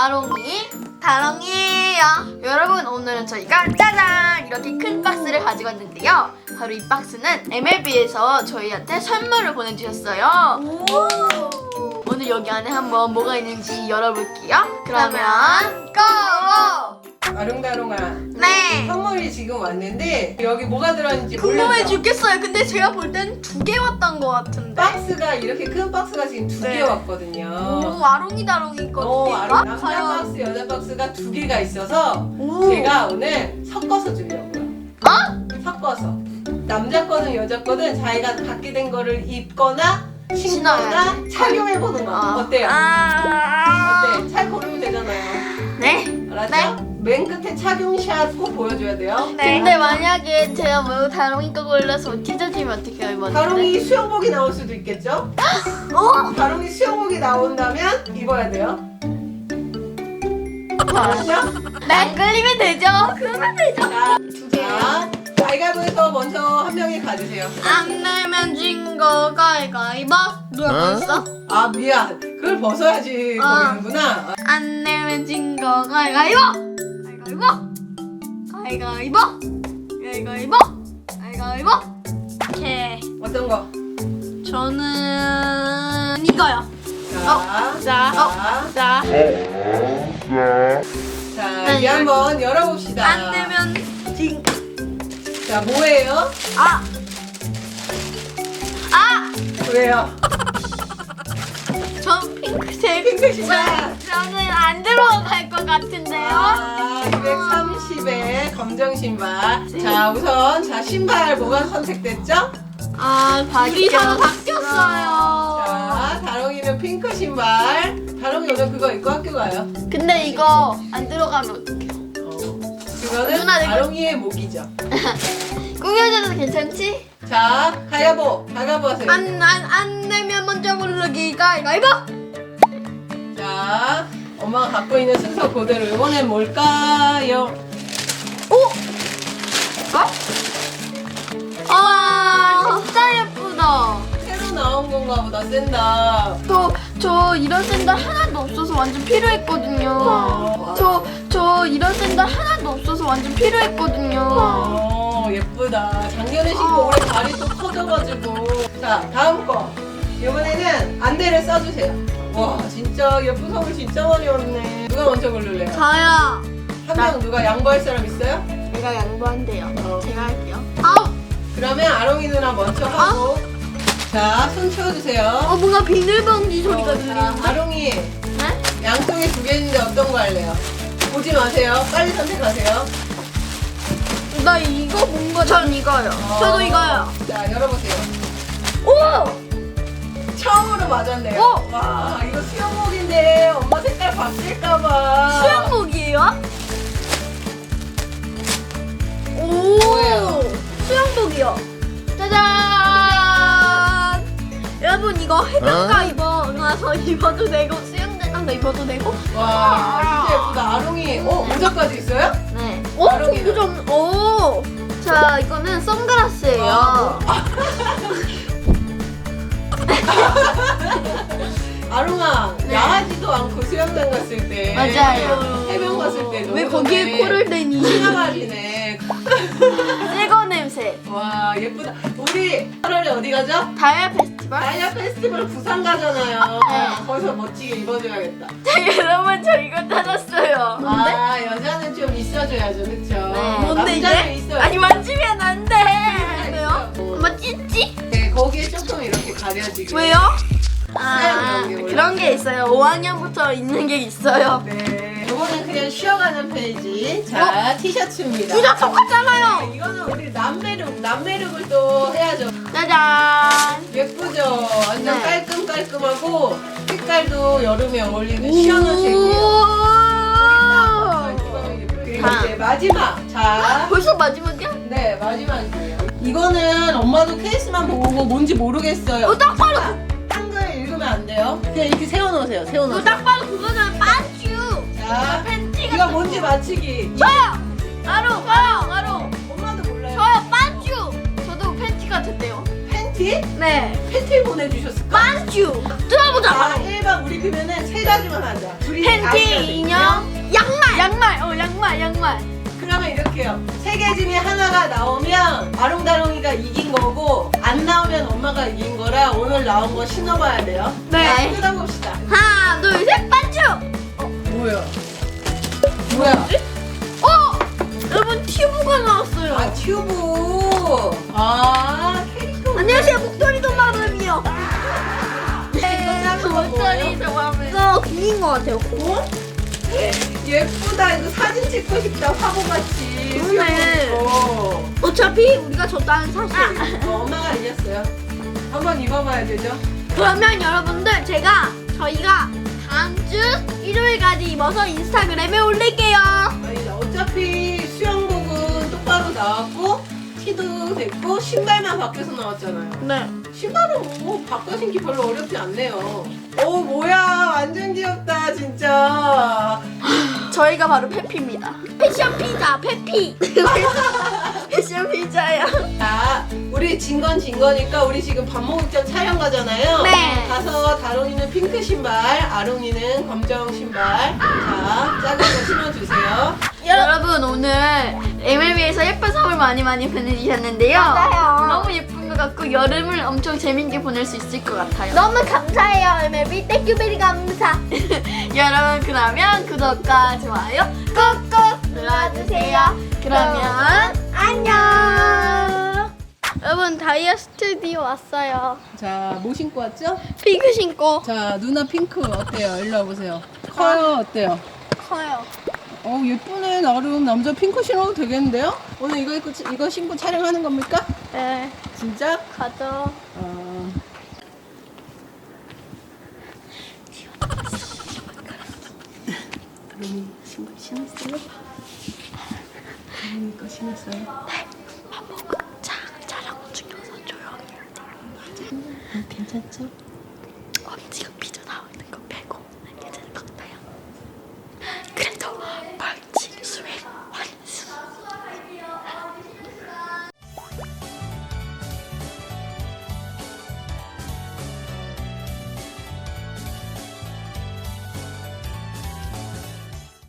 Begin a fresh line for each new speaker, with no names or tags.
아롱이, 다롱이에요. 여러분, 오늘은 저희가 짜잔! 이렇게 큰 박스를 가지고 왔는데요. 바로 이 박스는 MLB에서 저희한테 선물을 보내주셨어요. 오늘 여기 안에 한번 뭐가 있는지 열어볼게요. 그러면 고고!
아롱다롱아.
네.
선물이 지금 왔는데 여기 뭐가 들어있는지
궁금해
몰랐죠?
죽겠어요. 근데 제가 볼 땐 2개 왔던 것 같은데.
박스가 이렇게 큰 박스가 지금 2개
네.
왔거든요.
오, 아롱이 다롱이 있거든요.
남자 박스, 여자 박스가 2개가 있어서
오.
제가 오늘 섞어서 주려고요. 섞어서. 남자 거든 여자 거든 자기가 갖게 된 거를 입거나 신거나
신어야지.
착용해보는 거. 어때요? 어때? 잘 고르면 되잖아요.
네.
알았죠?
네.
맨 끝에 착용샷 꼭 보여줘야 돼요.
근데 만약에 제가 뭐 다롱이 거 골라서 찢어지면 어떻게 해요, 이번에?
다롱이 수영복이 나올 수도 있겠죠? 다롱이 수영복이 나온다면 입어야 돼요. 알았죠?
네. 안 끌리면 되죠. 그러면 되죠.
자, 가위바위보에서 먼저 한 명이 가주세요.
안 내면 진 거 가위바위보. 누가 벌써?
아 미안. 그걸 벗어야지 보이는구나.
안 내면 진 거 가위바위보. 가위바위보. 가위바위보. 가위바위보. 오케이.
어떤 거?
저는 이거요.
자,
자.
자 이제 한번 열어봅시다.
안 내면 진.
자 뭐예요? 왜요?
전 핑크색.
핑크 신발.
저는 안 들어갈 것 같은데요.
230에 검정 신발. 자 우선 신발 뭐가 선택됐죠?
우리 서로 바뀌었어요.
자 다롱이는 핑크 신발. 다롱이 오늘 그거 입고 학교 가요.
근데 이거 안 들어가면 어떡해요?
그거는
누나, 이거-
다롱이의 목이죠.
꾸며줘도 괜찮지?
자 가위바위보 하세요.
안 내면 먼저 고르기 가위바위보.
자 엄마가 갖고 있는 순서 그대로 이번엔 뭘까요?
진짜 예쁘다.
새로 나온 건가 보다. 센다.
저 이런 샌들 하나도 없어서 완전 필요했거든요. 저 이런 샌들 하나도 없어서 완전 필요했거든요.
예쁘다. 작년에 신고 올해 발이 또 커져가지고. 자 다음 거. 이번에는 안대를 써주세요. 와 진짜 예쁜 선물 진짜 많이 왔네. 누가 먼저 고를래요?
저요.
한 명 누가 양보할 사람 있어요?
제가 양보한대요. 제가 할게요.
그러면 아롱이 누나 먼저 하고. 자 손 치워주세요.
뭔가 비닐봉지 소리가
자,
들리는데?
아롱이
네?
양쪽에 2개 있는데 어떤 거 할래요? 보지 마세요. 빨리 선택하세요.
나 이거 뭔가 전 이거요. 저도 이거요.
자 열어보세요.
오!
처음으로 맞았네요. 와 이거 수영복인데 엄마 색깔 바뀔까봐.
수영복이에요? 오!
뭐예요?
수영복이요. 짜잔! 여러분 이거 해변가 입어서 입어도 되고 수영장 가서 입어도 되고.
와 진짜 예쁘다. 아롱이 모자까지 있어요?
네.
아롱이는?
오! 자 이거는 선글라스예요.
아롱아
네.
야하지도 않고 수영장 갔을 때
맞아요.
해변 갔을 때
왜 거기에 코를 대니?
신나가지네.
새거 냄새.
와 예쁘다. 우리 8월에 어디 가죠?
다이아 페스티벌?
다이아 페스티벌 부산 가잖아요.
네.
거기서 멋지게 입어줘야겠다.
여러분 저 이거 찾았어요. 뭔데?
여자는 좀 있어줘야죠, 그쵸?
네. 뭔데
남자는
이게?
있어요.
아니 만지면 안 돼. 왜요?
있어요.
엄마 찌찌?
네, 거기에 조금 이렇게 가려지게.
왜요?
그런 게
그런 게 있어요. 5학년부터 있는 게 있어요.
네. 이거는 그냥 쉬어가는 페이지. 자, 티셔츠입니다.
둘 다 똑같잖아요.
이거는 우리 남매룩을 또 해야죠.
짜잔.
예쁘죠? 완전
네.
깔끔하고 색깔도 여름에 어울리는 시원한 색이에요. 그리고 이제 마지막. 자,
벌써 마지막이야?
네 마지막이에요. 이거는 엄마도 케이스만 보고 뭔지 모르겠어요.
딱 봐도
한글 읽으면 안 돼요. 그냥 이렇게 세워놓으세요. 세워놓으세요.
딱 봐도 그거는 빠쭈.
자,
팬티가
이거 뭔지 맞히기.
저요. 바로.
엄마도 몰라요.
저요 빠쭈. 저도 팬티 같았대요.
팬티. 팬티?
네.
팬티 보내주셨을까?
반주. 들어보자.
자,
바로.
1번 우리 그러면은 세 가지만 하자. 둘이 다 해야
팬티,
돼.
인형, 양말. 양말.
그러면 이렇게요. 세 개 중에 하나가 나오면 아롱다롱이가 이긴 거고 안 나오면 엄마가 이긴 거라 오늘 나온 거 신어봐야 돼요.
네.
자, 뜯어봅시다.
하나, 둘, 셋, 반주.
뭐야? 뭐야?
여러분 튜브가 나왔어요.
아 튜브. 아 캐릭터.
안녕하세요, 목도리도 마음이요.
작은 건 뭐예요?
이거 공인 것 같아요.
어? 예쁘다. 이거 사진 찍고 싶다. 화보같이.
그러네.
귀여워.
어차피 우리가 졌다는 사실.
엄마가 이겼어요. 한번 입어봐야 되죠?
그러면 여러분들 저희가 다음 주 일요일까지 입어서 인스타그램에 올릴게요.
아니 어차피 수영복은 똑바로 나왔고 티도 됐고 신발만 밖에서 나왔잖아요.
네.
신발은 뭐 바꿔 신기 별로 어렵지 않네요. 오 뭐야 완전 귀엽다 진짜.
저희가 바로 페피입니다. 패션 피자, 페피. 패션 피자야.
자 우리 진 건 진 거니까 우리 지금 밥 먹을 전 촬영 가잖아요.
네.
가서 다롱이는 핑크 신발, 아롱이는 검정 신발. 자 작은 거 신어주세요.
여러분 오늘 MLB에서 예쁜 선물 많이 보내주셨는데요.
맞아요.
너무 예쁜 것 같고 여름을 엄청 재밌게 보낼 수 있을 것 같아요.
너무 감사해요, MLB. 땡큐베리 감사.
여러분 그러면 구독과 좋아요 꾹꾹 눌러주세요. 그러면 안녕. 여러분 다이아 스튜디오 왔어요.
자 뭐 신고 왔죠?
핑크 신고
자 누나 핑크 어때요? 일로 와보세요. 커요 어때요?
커요.
예쁘네 나름. 남자 핑크 신어도 되겠는데요? 오늘 이거 신고 촬영하는 겁니까?
네,
진짜?
가죠.
다롱이 신었어요? 다롱이 거 신었어요?
촬영 중이어서 조용히 해야 돼요.
괜찮죠?